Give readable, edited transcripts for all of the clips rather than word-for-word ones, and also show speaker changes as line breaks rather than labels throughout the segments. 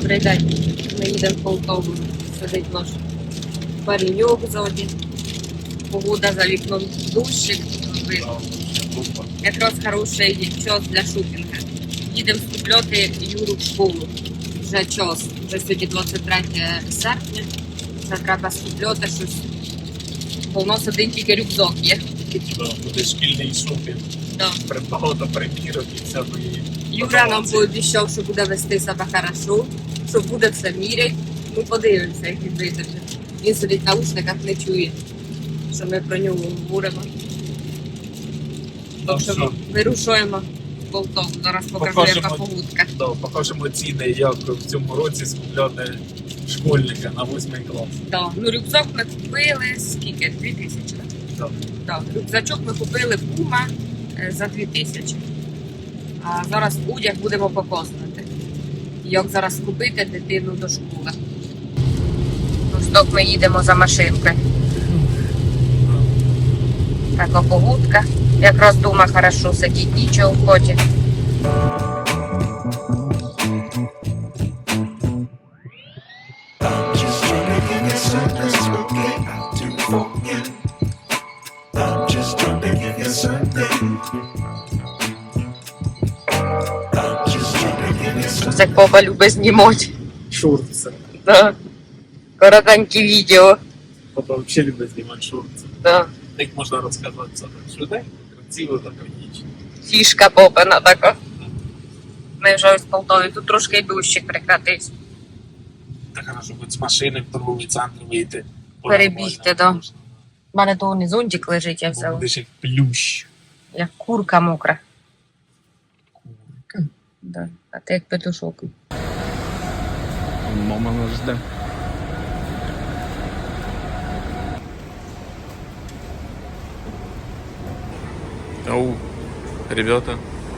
Добрий день. Ми їдемо в Полтаву. Сидить наш пареньок ззаді. Погода за вікном дощик. Якраз хороший час для шопінгу. Їдемо скупляти Юру в школу. Вже час. Вже сьогодні 23 серпня. Вже треба скупляти щось. Бо у нас один тільки рюкзак є.
Буде шкільний шопінг. Багато примірок і всякої.
Юра нам пообіцяв, що буде вести себе хорошо, що буде все міряти. Ми подивимося, як він витримає. Він сидить в наушниках, не чує, що ми про нього говоримо. Так що вирушуємо в Полтаву. Зараз покажу, яка погодка.
Покажемо ціни, як в цьому році скупляти школьника на 8 клас.
Да. Ну, рюкзак ми купили, скільки? 2000. Да. Рюкзачок ми купили в Пума за 2000. А зараз одяг будемо показувати. Як зараз купити дитину до школи. Ну, стоп, ми їдемо за машинкою. Така погодка. Якраз вдома хорошо сидіть, нічого в ході. Це Коба любить знімати.
Шорти.
Да. Коротенькі відео.
Коба взагалі любить знімати шорти.
Да.
Так можна розказати це швиденько, красиво, лаконічно.
Фішка Бобина така. Ми вже ось в Полтаві, тут трошки й дощик прекратився.
Так хорошо, будь з машини в торговий центр вийти.
Перебігти, да. У мене то не зонтик лежить, я взяла.
Будеш як плющ.
Як курка мокра.
Курка?
Да. А ти як петушок.
Мама нас жде. Оу, ребята.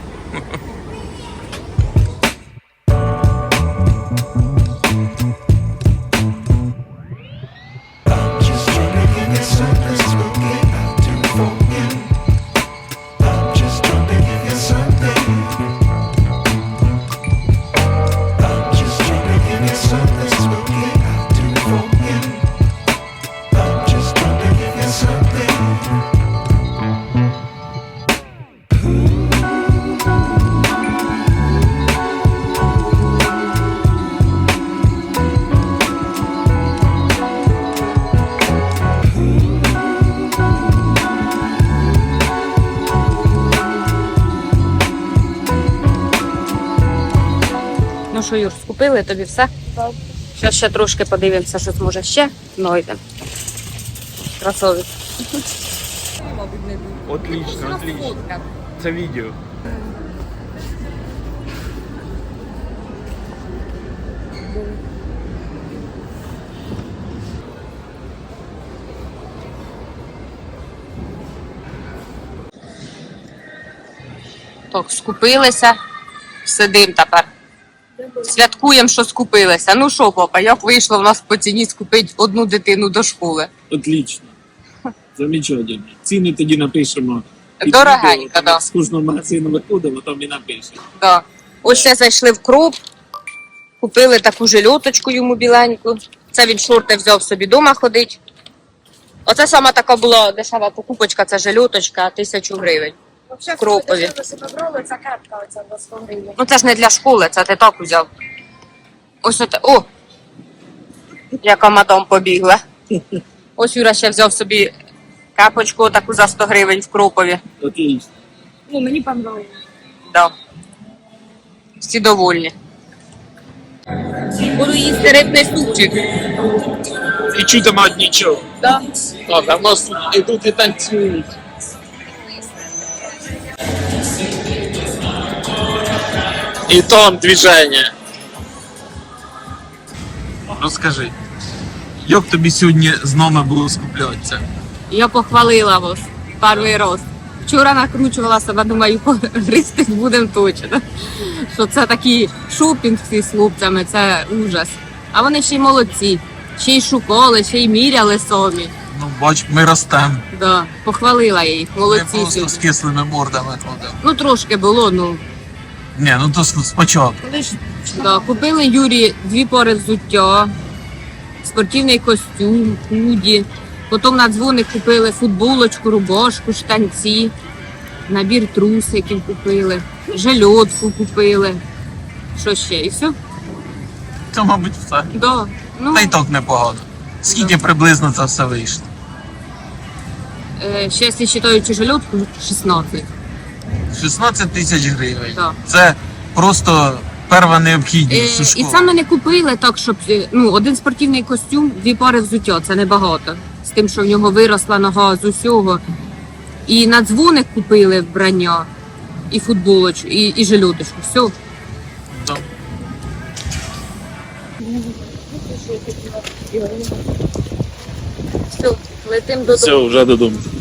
Ну що, Юр, скупили тобі все? Так. Зараз ще трошки подивимося, що зможе ще знайдемо. Красовець.
Отлично. Це відео.
Так, скупилися. Сидим тепер. Святкуємо, що скупилися. Ну що, папа, як вийшло в нас по ціні скупити одну дитину до школи?
Отлично. Замечательно. Ціни тоді напишемо.
Дорогенько, да.
З кожного магазину виходимо, там і напишемо.
Да. Ось ще зайшли в Кроп, купили таку жильоточку йому біленьку. Це він шорти взяв собі вдома ходить. Оце сама така була дешева покупочка, це жильоточка, 1000 гривень.
Взагалі,
Кропові.
це картка оця 100 гривень.
Ну це ж не для школи, це ти так взяв. Ось оте. О! Яка мадам побігла. Ось Юра ще взяв собі капочку таку за 100 гривень в Кропові.
Отлично.
Ну, мені понравилось.
Да. Всі довольні. Буду їсти рибний супчик.
І чудо мать нічого.
Да.
Так, а в нас тут ідуть і танцюють. І там движення. Розкажи, як тобі сьогодні з нами було скуплятися?
Я похвалила вас перший раз. Вчора накручувала себе, думаю, гристи будемо точно. Що це такий шопінг з хлопцями, це ужас. А вони ще й молодці. Ще й шукали, ще й міряли самі.
Ну, бач, ми ростемо.
Да, похвалила я їх,
Ми
молодці
просто з
сьогодні.
кислими мордами ходимо.
Ну трошки було, ну
Ні, ну то спочатку.
Да, купили Юрі 2 пари взуття, спортивний костюм, худі. Потім на дзвоник купили футболочку, рубашку, штанці, набір трусиків купили, жильотку купили. Що ще? І все?
Це, мабуть, все.
Да. Ну,
Та й так непогано. Скільки приблизно це все вийшло?
ще, якщо вважаючи жильотку, 16.
16 тисяч гривень.
Да.
Це просто перша необхідність у
І
школі.
це ми не купили так, щоб один спортивний костюм, 2 пари взуття, це небагато. З тим, що в нього виросла нога з усього. І на дзвоник купили вбрання, і футболочку, і жильоточку. Все.
Да.
Все, летим додому.
Все, вже додому.